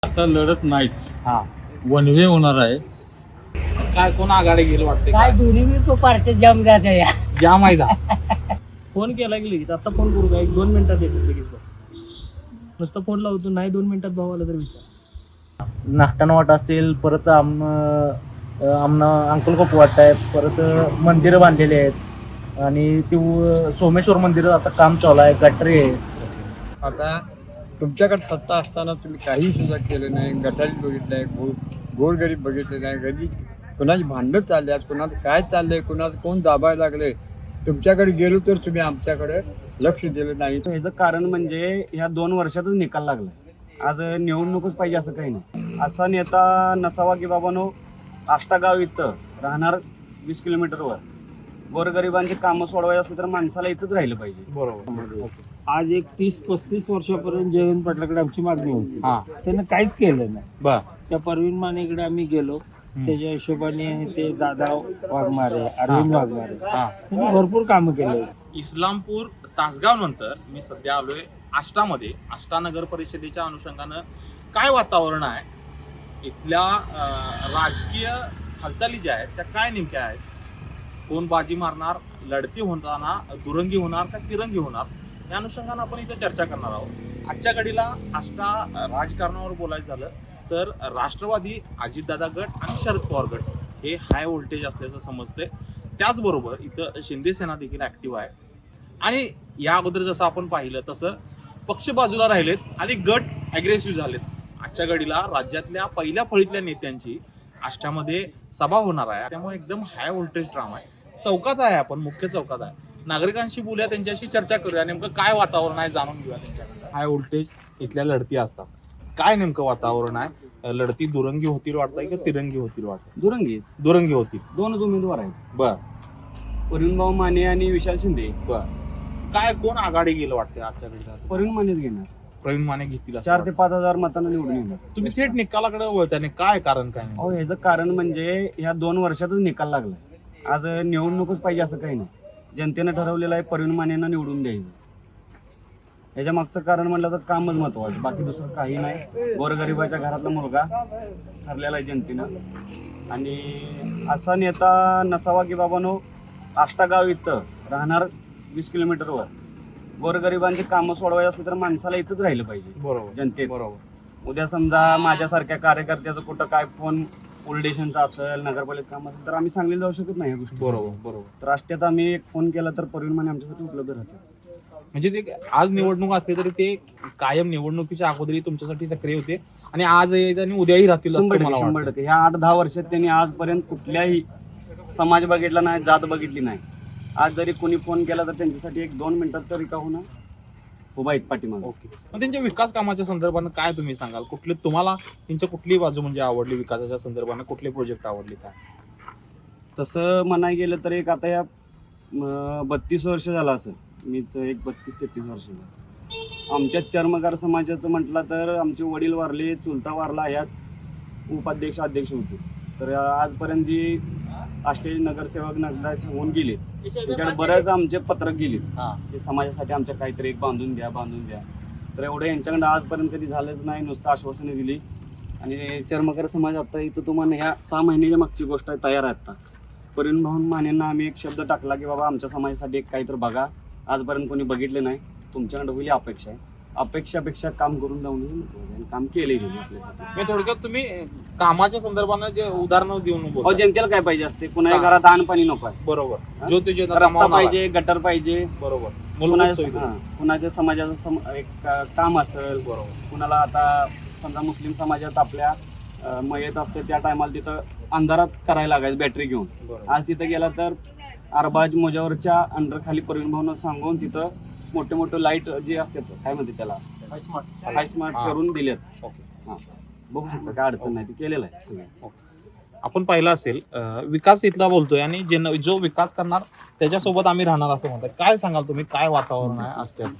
आता लढत नाहीच, हा वन वे होणार आहे. काय कोण आघाडी घेईल वाटते काय दोन्ही मी पार्टी जम जात या जाम आहे का? फोन केला की लगेच आता फोन करू का 1-2 मिनिटात येतो लगेच भाऊ. नुसतं फोन लावतो नाही 2 मिनिटात भाऊ आला तर विचार. नाश्ताना वाट असतील, परत आमना अंकलकोप वाट आहे, परत मंदिरं बांधलेली आहेत आणि ती सोमेश्वर मंदिर आता काम चालू आहे, गटरी आहे. आता तुमच्याकडे सत्ता असताना तुम्ही काही सुद्धा केलं नाही. गटारी बघितलं आहे, गोरगरीब बघितले नाही, गरीब कोणाची भांडणं चालली आहेत, कोणाचं काय चाललंय, कोणाचं कोण दाबायला लागले. तुमच्याकडे गेलो तर तुम्ही आमच्याकडे लक्ष दिलं नाही. ह्याचं कारण म्हणजे ह्या 2 वर्षातच निकाल लागला. आज निवडणूकच पाहिजे असं काही नाही. असा नेता नसावा की बाबानो आष्टागाव इथं राहणार 20 किलोमीटरवर गोरगरिबांची कामं सोडवायची असली तर माणसाला इथंच राहिलं पाहिजे. बरोबर. आज एक 30-35 वर्षापर्यंत जयवंत पाटलाकडे आमची मागणी होती. हा त्यानं काहीच केलं नाही. बर त्या परवीन मानेकडे आम्ही गेलो, त्याच्या हिशोबाने ते दादा वाघमारे, अरविंद वाघमारे हा. त्यांनी भरपूर कामं केले. इस्लामपूर तासगाव नंतर मी सध्या आलोय आष्टामध्ये. आष्टा नगर परिषदेच्या अनुषंगानं काय वातावरण आहे, इथल्या राजकीय हालचाली ज्या आहेत त्या काय नेमक्या आहेत, कोण बाजी मारणार, लढती होताना दुरंगी होणार का तिरंगी होणार, या अनुषंगानं आपण इथं चर्चा करणार आहोत. आजच्या घडीला आष्टा राजकारणावर बोलायचं झालं तर राष्ट्रवादी, अजितदादा गट आणि शरद पवार गट हे हाय व्होल्टेज असल्याचं समजतंय. त्याचबरोबर इथं शिंदे सेना देखील ॲक्टिव्ह आहे आणि या अगोदर जसं आपण पाहिलं तसं पक्ष बाजूला राहिलेत आणि गट ॲग्रेसिव्ह झालेत. आजच्या घडीला राज्यातल्या पहिल्या फळीतल्या नेत्यांची आष्टामध्ये सभा होणार आहे, त्यामुळे एकदम हाय व्होल्टेज ड्रामा आहे. चौकात आहे, आपण मुख्य चौकात आहे. नागरिकांशी बोलूया, त्यांच्याशी चर्चा करूया, नेमकं काय वातावरण आहे जाणून घेऊया त्यांच्याकडे. हाय व्होल्टेज इथल्या लढती असतात, काय नेमकं वातावरण आहे, लढती दुरंगी होतील वाटतंय की तिरंगी होतील वाटतं? दुरंगी होतील. 2च उमेदवार आहेत, बर परिणभाऊ माने आणि विशाल शिंदे. बर काय कोण आघाडी गेलं वाटतं आजच्या घडीला? परिण मानेच घेणार. प्रवीण माने घेतील असं 4 ते 5 हजार मतांना निवडून येणार. वाटतं. तुम्ही थेट निकालाकडे वळताने काय कारण काय नाही? अहो ह्याचं कारण म्हणजे ह्या 2 वर्षातच निकाल लागला. आज निवडणूकच पाहिजे असं काही नाही. जनतेनं ठरवलेलं आहे परिण मानेंना निवडून द्यायचं. याच्या मागचं कारण म्हटलं तर कामच महत्वाचं, बाकी दुसरं काही नाही. गोरगरिबाच्या घरातला मुलगा ठरलेला आहे जनतेनं. आणि असा नेता नसावा की बाबानो आष्टागाव इथं राहणार 20 किलोमीटरवर गोरगरिबांची कामं सोडवायची असली तर माणसाला इथंच राहिलं पाहिजे बरोबर जनतेत. बरोबर. उद्या समजा माझ्यासारख्या कार्यकर्त्याचं कुठं काय फोन पोलीस स्टेशनचं असेल, नगरपालिका काम असेल तर आम्ही सांगलीला जाऊ शकत नाही ह्या गोष्टी. बरोबर बरोबर. तर राष्ट्रीयत आम्ही एक फोन केला तर परिण माने आमच्यासाठी उपलब्ध राहतात. म्हणजे ते आज निवडणूक असते तरी ते कायम निवडणुकीच्या अगोदरही तुमच्यासाठी सक्रिय होते आणि आज आणि उद्याही राहतील असं मला 100% वाटतं. ह्या 8-10 वर्षात त्यांनी आजपर्यंत कुठल्याही समाज बघितला नाही, जात बघितली नाही. आज जरी कोणी फोन केला तर त्यांच्यासाठी 1-2 मिनिटात तरी का होणार उभा आहेत पाठीमागे. ओके. मग त्यांच्या विकास कामाच्या संदर्भानं काय तुम्ही सांगाल? कुठले तुम्हाला त्यांच्या कुठली बाजू म्हणजे आवडली विकासाच्या संदर्भानं, कुठले प्रोजेक्ट आवडले काय? तसं म्हणाय गेलं तर एक आता या 32 वर्ष झालं असेल, मीच एक 32-33 वर्ष झालं. आमच्या चर्मकार समाजाचं म्हटलं तर आमचे वडील वारले, चुलता वारला, ह्यात उपाध्यक्ष अध्यक्ष होते. तर आजपर्यंत जी आष्टे नगरसेवक नगराचे होऊन गेले त्याच्याकडे बरेच आमचे पत्रक गेले की समाजासाठी आमच्या काहीतरी एक बांधून द्या. तर एवढं यांच्याकडे आजपर्यंत कधी झालंच नाही, नुसतं आश्वासने दिली. आणि चर्मकार समाज आता इथं तुम्हाला ह्या 6 महिन्याच्या मागची गोष्ट आहे, तयार आहे आता. परिणभाऊ मानेंना आम्ही एक शब्द टाकला की बाबा आमच्या समाजासाठी एक काहीतरी बघा, आजपर्यंत कोणी बघितले नाही, तुमच्याकडे होईल अपेक्षा आहे. अपेक्षापेक्षा काम करून जाऊन आणि काम केले गेले आपल्यासाठी. मी थोडक्यात तुम्ही कामाच्या संदर्भानं जे उदाहरणं देऊन अहो बोलता. जनतेला काय पाहिजे असते, कुणाच्या घरात अन्न पाणी नको आहे, बरोबर. जो ते रस्ता पाहिजे, गटर पाहिजे, बरोबर. मूलभूत सुविधा. कुणाच्या समाजाचं एक काम असेल, बरोबर. कुणाला आता समजा मुस्लिम समाजात आपल्या मयत असते त्या टायमाला तिथं अंधारात करायला लागायचं बॅटरी घेऊन. बरोबर. आज तिथं गेला तर अरबाज मोजावरच्या अंडर खाली परिवहन भावना सांगून तिथं मोठे लाईट जे असतात काय म्हणते त्याला हाय स्मार्ट करून दिलेत. ओके. हा बघू शकता, काय अडचण नाही, ते केलेलं आहे सगळं. आपण पाहिलं असेल विकास इथला बोलतोय आणि जो विकास करणार त्याच्यासोबत आम्ही राहणार असं म्हणताय. काय सांगाल तुम्ही, काय वातावरण आहे आजच्या?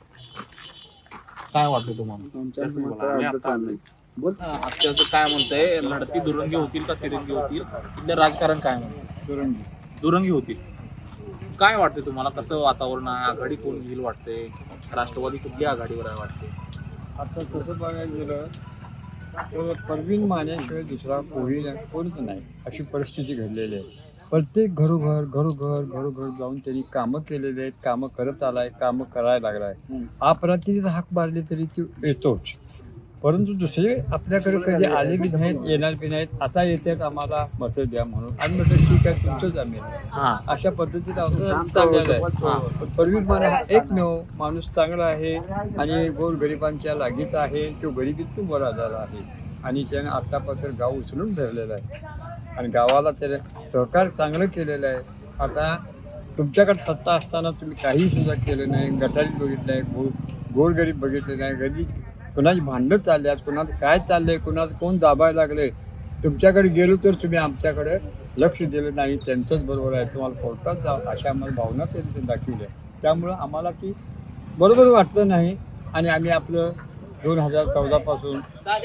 काय वाटतं तुम्हाला? आजच्याचं काय म्हणतंय, लढती दुरंगी होतील का तिरंगी होतील, इथलं राजकारण काय म्हणतं? दुरंगी होतील. काय वाटते तुम्हाला, कसं वातावरण आहे, आघाडी कोण घेईल वाटते, राष्ट्रवादी कुठल्या आघाडीवर आहे वाटते? आता तसं बघायला गेलं तर परवीन मानेशिवाय दुसरा कोणीच नाही अशी परिस्थिती घडलेली आहे. प्रत्येक घरोघर जाऊन त्यांनी कामं केलेली आहेत, कामं करत आलाय, कामं करायला लागलाय. अपरात्री हाक मारली तरी ती येतोच, परंतु दुसरे आपल्याकडे कधी आले बी नाहीत, येणार बी नाहीत. आता येतात आम्हाला मतं द्या म्हणून, आम्ही म्हटलं ठीक आहे तुमचंच आम्ही अशा पद्धतीने आमचं चाललेलं आहे. परवीन माने हा एकमेव माणूस चांगला आहे आणि गोरगरिबांच्या लागीचा आहे. तो गरिबीतून बरा झाला आहे आणि त्याने आत्तापासून गाव उचलून धरलेलं आहे आणि गावाला त्याने सहकार चांगलं केलेलं आहे. आता तुमच्याकडे सत्ता असताना तुम्ही काही सुद्धा केलं नाही. गटारी बघितलं आहे, गोरगरीब बघितले नाही, गरीब कुणाची भांडणं चालली आहेत, कुणाचं काय चाललंय, कुणाचं कोण दाबायला लागले. तुमच्याकडे गेलो तर तुम्ही आमच्याकडे लक्ष दिलं नाही. त्यांचंच बरोबर आहे, तुम्हाला कोर्टात जा अशा आम्हाला भावना त्यांनी दाखवल्या. त्यामुळं आम्हाला ती बरोबर वाटलं नाही आणि आम्ही आपलं 2014 पासून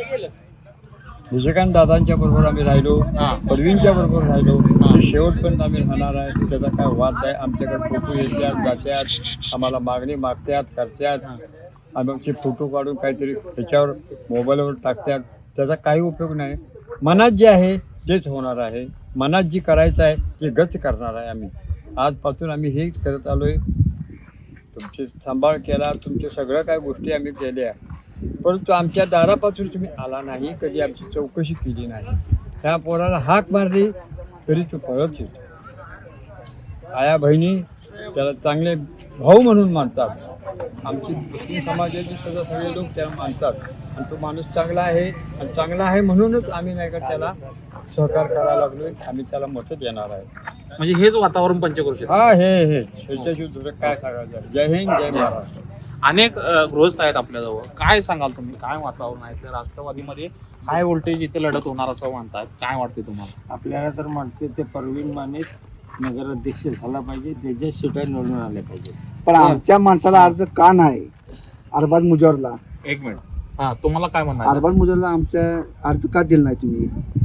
निशिकांत दादांच्या बरोबर आम्ही राहिलो, परवीनच्या बरोबर राहिलो. शेवटपर्यंत आम्ही राहणार आहे. त्याचा काय वाद नाही. आमच्याकडे फोटो येतात जातात, आम्हाला मागणी मागतात करतात, आमचे फोटो काढून काहीतरी त्याच्यावर मोबाईलवर टाकतात. त्याचा काही उपयोग नाही. मनात जे आहे तेच होणार आहे. मनात जी करायचं आहे ते गच करणार आहे. आम्ही आजपासून आम्ही हेच करत आलो आहे. तुमचे सांभाळ केला, तुमच्या सगळ्या काय गोष्टी आम्ही केल्या, परंतु आमच्या दारापासून तुम्ही आला नाही, कधी आमची चौकशी केली नाही. त्या पोराला हाक मारली तरी तो परत येतो. आया बहिणी त्याला चांगले भाऊ म्हणून मानतात. आमची मुस्लिम समाजाचे सुद्धा सगळे लोक त्याला मानतात आणि तो माणूस चांगला आहे आणि चांगला आहे म्हणूनच आम्ही नाही का त्याला सहकार करायला लागलोय. आम्ही त्याला मतं देणार आहे. म्हणजे हेच वातावरण पंचक्रोशीत. हा हे त्याच्याशिवाय दुसरं काय सांगायचं. जय हिंद जय महाराष्ट्र. अनेक गृहस्थ आहेत आपल्याजवळ, काय सांगाल तुम्ही, काय वातावरण आहे? तर राष्ट्रवादीमध्ये हाय व्होल्टेज इथे लढत होणार असं म्हणतात, काय वाटते तुम्हाला? आपल्याला तर म्हणते ते परवीन मानेच नगराध्यक्ष झाला पाहिजे, त्याच्या सीटा निवडून आल्या पाहिजे. पण आमच्या माणसाला अर्ज का नाही? अरबाज मुजरला एक मिनिट, हा तुम्हाला काय म्हणणार? अरबाज मुजरला आमच्या अर्ज का दिला नाही तुम्ही?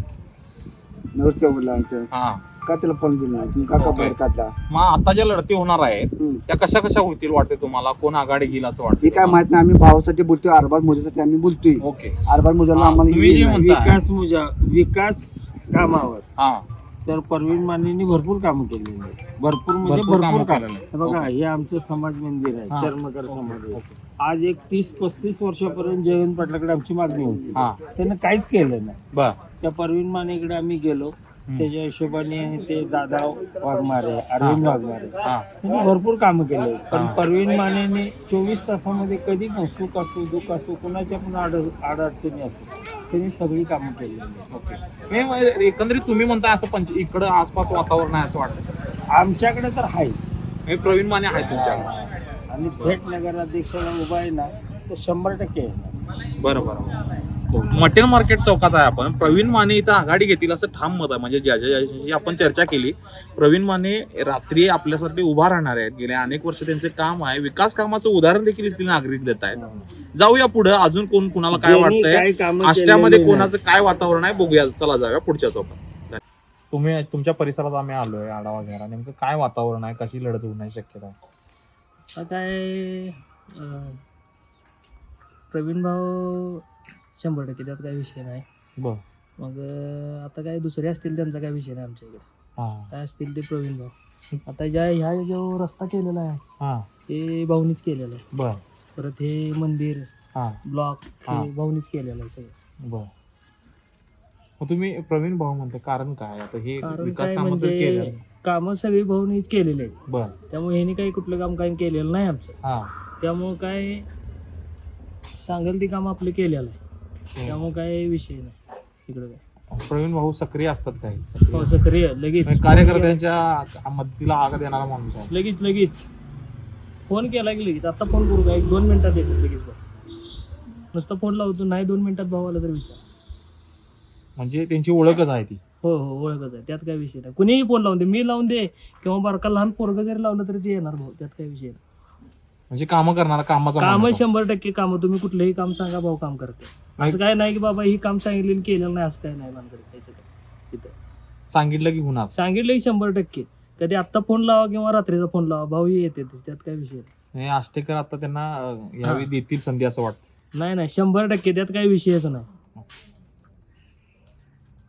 नगरसेवकला हा का त्याला फोन दिला नाही तुम्ही? का बाहेर काढला? मग आता ज्या लढती होणार आहेत त्या कशा कशा होतील वाटते तुम्हाला? कोण आघाडी घेईल असं वाटतं? हे काय माहित नाही. आम्ही भावासाठी बोलतोय, अरबाज मुजरसाठी आम्ही बोलतोय. ओके, अरबाज मुजरला आम्हाला तुम्ही जे म्हणताय विकास कामावर हा तर परवीन मानेंनी भरपूर कामं केलेली आहे. भरपूर म्हणजे भरपूर कामं भरपूर काम. केलेली आहेत. हे बघा, ओके. हे आमचं समाज मंदिर आहे, हा. चर्मकार समाज आहे. आज एक 30-35 वर्षापर्यंत जयवंत पाटलाकडे आमची मागणी होती, हा त्यानं काहीच केलं नाही. बर, त्या परवीन मानेकडे आम्ही गेलो, त्याच्या हिशोबाने ते दादा वाघमारे, अरविंद वाघमारे हा त्यांनी भरपूर कामं केले. पण परवीन मानेने 24 तासामध्ये कधी पण सुख असो दुःख असो कोणाच्या पण अडचणी असो त्यांनी सगळी कामं केलेली आहेत. ओके. हे एकंदरीत तुम्ही म्हणताय असं इकडं आसपास वातावरण आहे असं वाटतं? आमच्याकडे तर आहे हे प्रवीण माने आहे तुमच्याकडे आणि थेट नगराध्यक्षाला उभा आहे ना तर 100% आहे. बरं बरं. मटेन मार्केट चौकात आहे आपण. प्रवीण माने इथं आघाडी घेतील असं ठाम मत आहे. म्हणजे ज्याची आपण चर्चा केली, प्रवीण माने रात्री आपल्यासाठी उभा राहणार आहेत. गेल्या अनेक वर्ष त्यांचे काम आहे, विकास कामाचं उदाहरण देखील इथले नागरिक देत आहेत. जाऊया पुढे, अजून कोण कुणाला काय वाटतंय, आष्ट्यामध्ये कोणाचं काय वातावरण आहे बघूया. चला जाऊया पुढच्या चौकात. तुम्ही तुमच्या परिसरात आम्ही आलोय आढावा घ्यायला, नेमकं काय वातावरण आहे, कशी लढत होण्याची शक्यता आहे? आता काय प्रवीण भाऊ 100% त्यात काही विषय नाही. बर, मग आता काय दुसरे असतील त्यांचा काय विषय नाही आमच्या इकडे. हा काय असतील ते प्रवीण भाऊ. आता ह्या जो रस्ता केलेला आहे हा ते भाऊनीच केलेला आहे. बर, परत हे मंदिर हा ब्लॉक हा. हे भाऊनीच केलेलं आहे सगळं. बर. मग तुम्ही प्रवीण भाऊ म्हणता, कारण काय? आता हे कारण विकास काय कामं तर केलं. म्हणजे कामं सगळी भाऊनीच केलेली आहेत. बर, त्यामुळे ह्यांनी काही कुठलं काम काही केलेलं नाही आमचं. हा त्यामुळं काय सांगेल ती काम आपले केलेलं आहे. त्यामुळे काय विषय नाही तिकडं काय. प्रवीण भाऊ सक्रिय असतात काही? हो, सक्रिय लगेच कार्यकर्त्यांच्या मदतीला आग देणारा माणूस आहे. लगेच फोन केला की लगेच. आता फोन करू का? 1-2 मिनिटात येतो लगेच भाऊ. नुसतं फोन लावतो, नाही 2 मिनिटात भाऊ आला तर विचार. म्हणजे त्यांची ओळखच आहे ती. हो ओळखच आहे, त्यात काय विषय नाही. कुणीही फोन लावून दे, मी लावून दे किंवा बारका लहान पोरगं जरी लावलं तरी ते येणार भाऊ, त्यात काय विषय नाही. म्हणजे कामं करणारा, कामाचा कामं माणूस आहे. 100% कामं. तुम्ही कुठलंही काम सांगा भाऊ काम करते. असं काय नाही की बाबा ही काम सांगितलेलं केलेलं नाही, असं काय नाही मानकडे काही सगळं. तिथं सांगितलं की होणार. सांगितलं की 100%. कधी आत्ता फोन लावा किंवा रात्रीचा फोन लावा, भाऊही येते, त्यात काय विषय नाही. हे आष्टेकर आता त्यांना यावेळी देतील संधी असं वाटतं. नाही 100% त्यात काही विषयच नाही.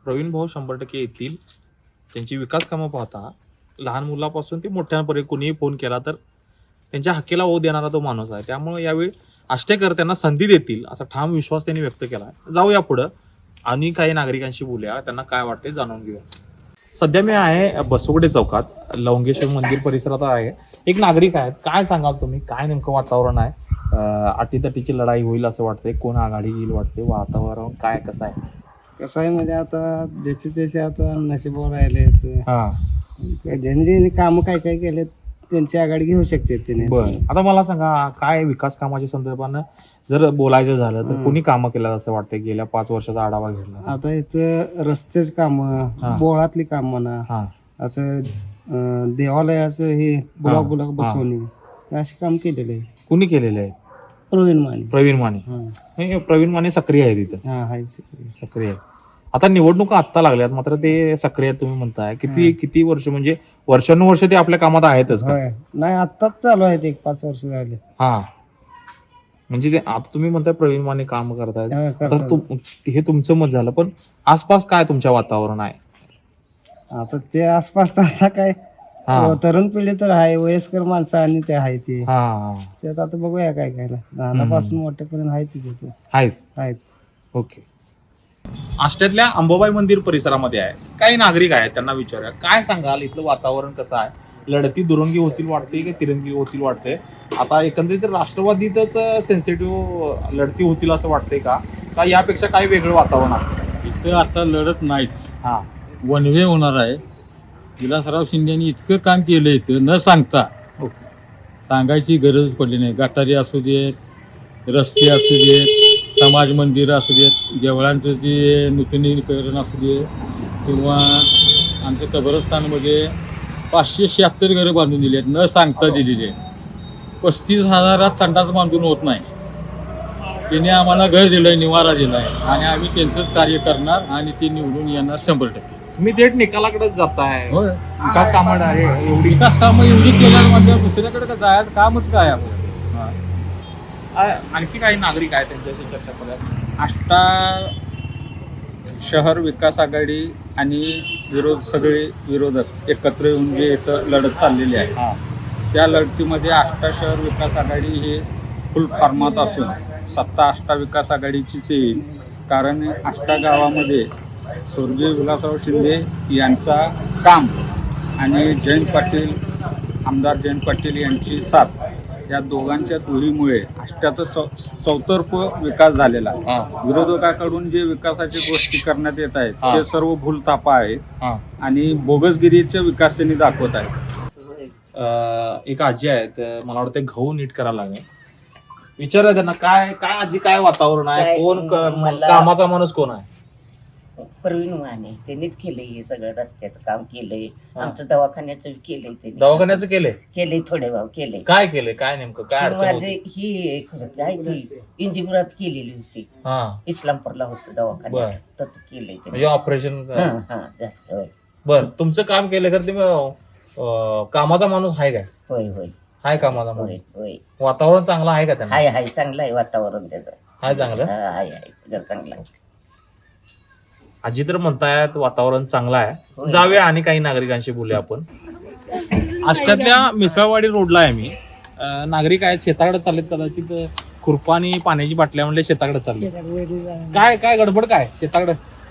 प्रवीण भाऊ 100% येतील. त्यांची विकास कामं पाहता लहान मुलापासून ते मोठ्यांपर्यंत कोणीही फोन केला तर त्यांच्या हक्कीला ओ देणारा तो माणूस आहे. त्यामुळे यावेळी आष्टेकर त्यांना संधी देतील असा ठाम विश्वास त्यांनी व्यक्त केला. जाऊया पुढं आणि काही नागरिकांशी बोलूया, त्यांना काय वाटते जाणून घेऊया. सध्या मी आहे बसवडे चौकात, लवंगेश्वर मंदिर परिसरात आहे. एक नागरिक आहेत, काय सांगाल तुम्ही, काय नेमकं वातावरण आहे? अटीतटीची लढाई होईल असं वाटतंय, कोण आघाडी येईल वाटते, वातावरण काय कसं आहे? कसं आहे म्हणजे आता ज्याचे त्याचे आता नशिबावर राहिले, हा ज्यांनी ज्यांनी कामं काय काय केले त्यांची आघाडी घेऊ शकते त्याने. बरं, आता मला सांगा काय विकास कामाच्या संदर्भानं जर बोलायचं झालं तर कोणी कामं केलं असं वाटतं गेल्या 5 वर्षाचा आढावा घेतला? आता इथं रस्तेच कामं, बोळातली काम म्हणा, असं देवालयाचं हे बुलाक बसवणे असे काम केलेले आहे. कुणी केलेले आहे? प्रवीण माने. प्रवीण माने. हे प्रवीण माने सक्रिय आहे तिथं? आहे सक्रिय आहे. आता निवडणुका आत्ता लागल्यात मात्र ते सक्रिय तुम्ही म्हणताय. किती वर्ष म्हणजे वर्षानुवर्ष ते आपल्या कामात आहेतच का? नाही आत्ताच चालू आहेत, 1-5 वर्ष झाले. हा म्हणजे ते आता तुम्ही म्हणताय प्रवीण माने काम करतायत, आता हे तुमचं मत झालं, पण आसपास काय तुमच्या वातावरण आहे? आता ते आसपास आता काय तरुण पिढी तर आहे, वयस्कर माणसं आणि ते आहे ते त्यात आता बघूया काय काय लहानापासून मोठ्यापर्यंत आहे तिथे आहेत. ओके. आष्ट्यातल्या अंबाबाई मंदिर परिसरामध्ये आहे, काही नागरिक आहेत, त्यांना विचारूया काय सांगाल, इथलं वातावरण कसं आहे? लढती दुरंगी होतील वाटते की तिरंगी होतील वाटते? आता एकंदरीत राष्ट्रवादीतच सेन्सिटिव्ह लढती होतील असं वाटतंय का यापेक्षा काही वेगळं वातावरण असेल? इथं आता लढत नाहीच, हा वन वे होणार आहे. विलासराव शिंदेनी इतकं काम केलं इथं न सांगता, सांगायची गरज पडली नाही. गटारी असू देत, रस्ते असू देत, समाज मंदिरं असू देत, देवळांचं जे नूतनीकरण असू दे, किंवा आमच्या कब्रस्तानमध्ये 576 घरं बांधून दिली आहेत, न सांगता दिलेली आहेत. 35,000 संडास बांधून होत नाही. त्याने आम्हाला घर दिलंय, निवारा दिलाय, आणि आम्ही त्यांचंच कार्य करणार आणि ते निवडून येणार 100%. तुम्ही थेट निकालाकडेच जाताय. होय, विकास कामं एवढी विकास कामं एवढी केल्यावर म्हणजे दुसऱ्याकडे का जायचं कामच काय आपलं? आणखी काही नागरिक आहेत त्यांच्याशी चर्चा करूया. आष्टा शहर विकास आघाडी आणि सगळे विरोधक एकत्र येऊन जे इथं लढत चाललेली आहे, त्या लढतीमध्ये आष्टा शहर विकास आघाडी हे फुल फॉर्मात असून सत्ता आष्टा विकास आघाडीचीच येईल. कारण आष्टा गावामध्ये स्वर्गीय विलासराव शिंदे यांचा काम आणि जयंत पाटील, आमदार जयंत पाटील यांची साथ, या दोघांच्या दुहीमुळे आष्ट्याचा चौतर्फ विकास झालेला आहे. विरोधकाकडून जे विकासाच्या गोष्टी करण्यात येत आहेत ते सर्व भूलथापा आहेत आणि बोगसगिरीचा विकास त्यांनी दाखवत आहेत. एक आजी आहेत, मला वाटतं गहू नीट करायला लागेल, विचारा त्यांना काय काय आजी काय वातावरण आहे, कोण कामाचा माणूस कोण आहे? प्रवीण माने त्यांनीच केलंय हे सगळं, रस्त्याचं काम केलंय, आमचं दवाखान्याचं केलंय, त्यांनी दवाखान्याचं केलंय थोडे भाव केलंय. काय केलंय, काय नेमकं काय अडचण माझे होती? ही काय ती इंजिनिअरात केलेली होती, इस्लामपूरला होतं दवाखान्यात, तर केलंय म्हणजे ऑपरेशन. होय बर, तुमचं काम केलं तर ते कामाचा माणूस आहे काय? होय होय हाय कामाचा माणूस. होय. वातावरण चांगलं आहे का त्यांना? हाय चांगलं आहे वातावरण त्याचं. हाय चांगलं. हाय सगळं चांगलं आहे. आजी तर म्हणतायत वातावरण चांगलं आहे. जाऊया आणि काही नागरिकांशी बोलूया आपण. आष्ट्यातल्या मिसळवाडी रोडला आहे मी. नागरिक आहेत, शेताकडे चाललेत, कदाचित खुरपा आणि पाण्याची बाटल्या म्हणले शेताकडे चालले. काय काय गडबड काय शेताकडे?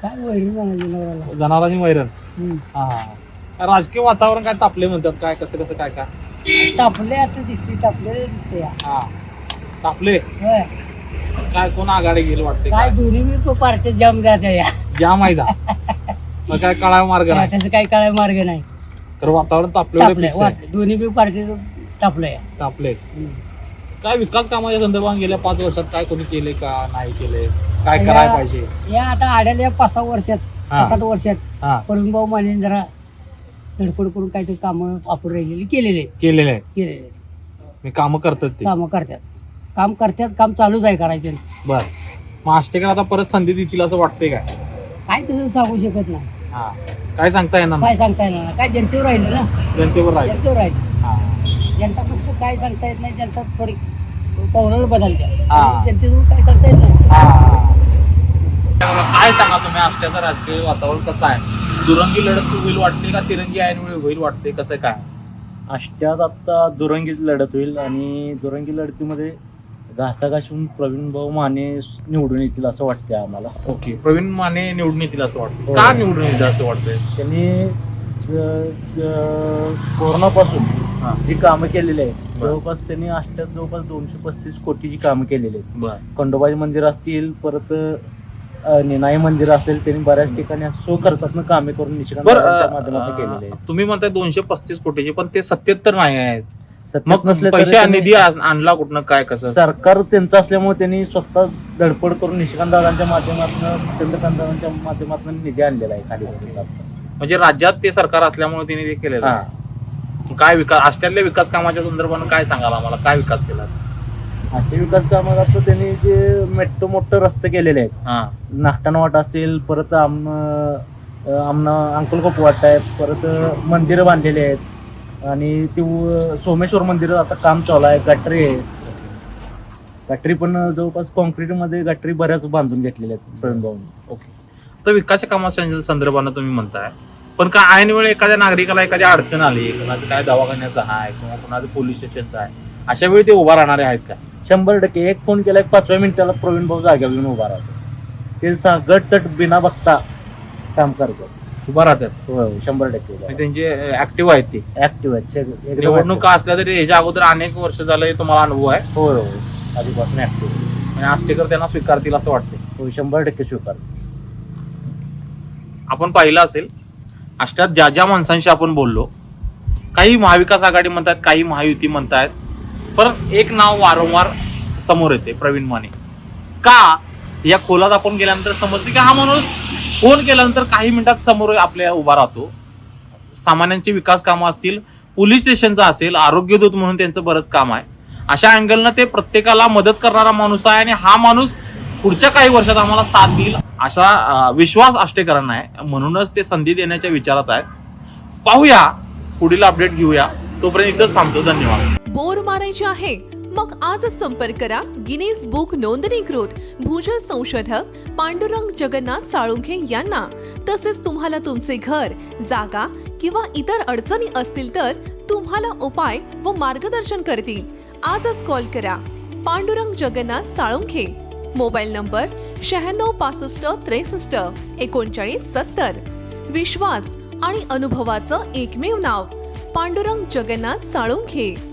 जनावरांची वैरण. हा, राजकीय वातावरण काय तापले म्हणतात, काय कसं कसं काय काय तापले आता दिसते, तापले दिसते. हा तापले. काय कोण आघाडी घेईल वाटते? काय दोन्ही मी पार्टी जाम जाते या, जाम आहे का? मग काय कळाय मार्ग नाही, त्याचं काही कळाय मार्ग नाही. तर वातावरण तापले, दोन्ही बी पार्टीचं तापलंय. तापले. काय विकास कामाच्या संदर्भात गेल्या 5 वर्षात काय कोणी केले का नाही केले, काय करायला पाहिजे? या आता आढळल्या 5-6 वर्षात, 7-8 वर्षात प्रवीण भाऊ माने जरा धडपड करून काहीतरी कामं वापरून राहिलेली केलेले. मी कामं करतात ते, काम करतात, काम चालूच आहे करायचं. बर, मग आष्टेकर आता परत संधी देतील असं वाटतंय काय? काय तसं सांगू शकत नाही. काय सांगता येणार? काय सांगता येणार नाही, काय जनतेवर राहिलं ना, जनतेवर राहील. जनता फक्त काय सांगता येत नाही, जनता थोडी पावलाला बदलते, जनतेतून काय सांगता येत नाही. काय सांगा तुम्ही परिणामी आष्ट्याचं राजकीय वातावरण कसं आहे? दुरंगी लढत होईल वाटते का तिरंगी ऐनवेळी होईल वाटते, कसं काय? आष्ट्यात आता दुरंगीच लढत होईल आणि दुरंगी लढतीमध्ये घासाघासून प्रवीण भाऊ माने निवडून येतील असं वाटतंय आम्हाला. ओके, प्रवीण माने निवडून येतील असं वाटतं. हो. का निवडून येतील असं वाटतंय? त्यांनी कोरोनापासून जी कामं केलेली आहेत जवळपास त्यांनी आष्ट्यात जवळपास 235 कोटीची कामं केलेली आहेत. बरं. खंडोबाई मंदिर असतील, परत निनाई मंदिर असेल, त्यांनी बऱ्याच ठिकाणी असं खर्चातनं कामे करून निष्कांताच्या माध्यमातून केलेले आहेत. तुम्ही म्हणताय 235 कोटीचे, पण ते 77 नाही आहेत. सत्यात मग नसले तरी पैसे त्यांनी- निधी आणला कुठनं, काय कसं? सरकार त्यांचं असल्यामुळे त्यांनी स्वतः धडपड करून निष्कांतदारांच्या माध्यमातून चंद्रकांतदारांच्या माध्यमातून निधी आणलेला आहे खाली. म्हणजे राज्यात ते सरकार असल्यामुळे त्यांनी ते केलेलं आहे. काय विकास, आष्ट्यातल्या विकास कामाच्या संदर्भानं काय सांगाल आम्हाला, काय विकास केला? असे विकास कामात आता त्यांनी जे मेट्रो मोठे रस्ते केलेले आहेत, नागटाणा वाटा असतील, परत आमना अंकलकोप वाटा आहे, परत मंदिरं बांधलेली आहेत आणि ते सोमेश्वर मंदिर आता काम चालू आहे. गटरी आहे, गटरी पण जवळपास कॉन्क्रीटमध्ये गटरी बऱ्याच बांधून घेतलेल्या आहेत प्रवीण भाऊंनी. ओके, तर विकास कामाच्या संदर्भानं तुम्ही म्हणताय, पण काय ऐन वेळी एखाद्या नागरिकाला एखादी अडचण आली, कोणाचं काय दवाखान्याचं आहे किंवा कोणाचं पोलीस स्टेशनचं आहे, अशा वेळी ते उभा राहणारे आहेत का? 100% एक फोन केलाय 5व्या मिनिटाला प्रवीण भाऊ जाग्यावर येऊन उभा राहतो. ते गट तट बिना बघता काम करतात, उभा राहतात. हो 100% म्हणजे त्यांचे ऍक्टिव्ह आहेत ते. ऍक्टिव्ह आहेत एकदम निवडणुका असल्या तरी याच्या अगोदर अनेक वर्ष झालं हे तुम्हाला अनुभव आहे. हो हो आधीपासून ऍक्टिव्ह. म्हणजे आष्टेकर त्यांना स्वीकारतील असं वाटते. हो 100% स्वीकारतो. आपण पाहिलं असेल आष्ट्यात ज्या ज्या माणसांशी आपण बोललो, काही महाविकास आघाडी म्हणतात, काही महायुती म्हणतात, पण एक नाव वारंवार समोर येते, प्रवीण माने. का? या खोलात आपण गेल्यानंतर समजते की हा माणूस फोन केल्यानंतर काही मिनिटात समोर आपल्या उभा राहतो. सामान्यांची विकास कामं असतील, पोलीस स्टेशनचं असेल, आरोग्यदूत म्हणून त्यांचं बरंच काम आहे. अशा अँगलनं ते प्रत्येकाला मदत करणारा माणूस आहे आणि हा माणूस पुढच्या काही वर्षात आम्हाला साथ देईल असा विश्वास आष्टेकरांना आहे. म्हणूनच ते संधी देण्याच्या विचारात आहेत. पाहूया, पुढील अपडेट घेऊया. तोपर्यंत इथंच थांबतो. धन्यवाद. बोर मारायचे आहे मग आजच संपर्क करा गिनीज बुक नोंदणीकृत भूजल संशोधक पांडुरंग जगन्नाथ साळुंखे यांना. तसेच तुम्हाला तुमचे घर, जागा किंवा इतर अडचणी असतील तर तुम्हाला उपाय व मार्गदर्शन करतील. आजच कॉल करा पांडुरंग जगन्नाथ साळुंखे. Mobile number 96 65 63 39 70. विश्वास आणि अनुभवाचं एकमेव नाव पांडुरंग जगन्नाथ साळुंखे.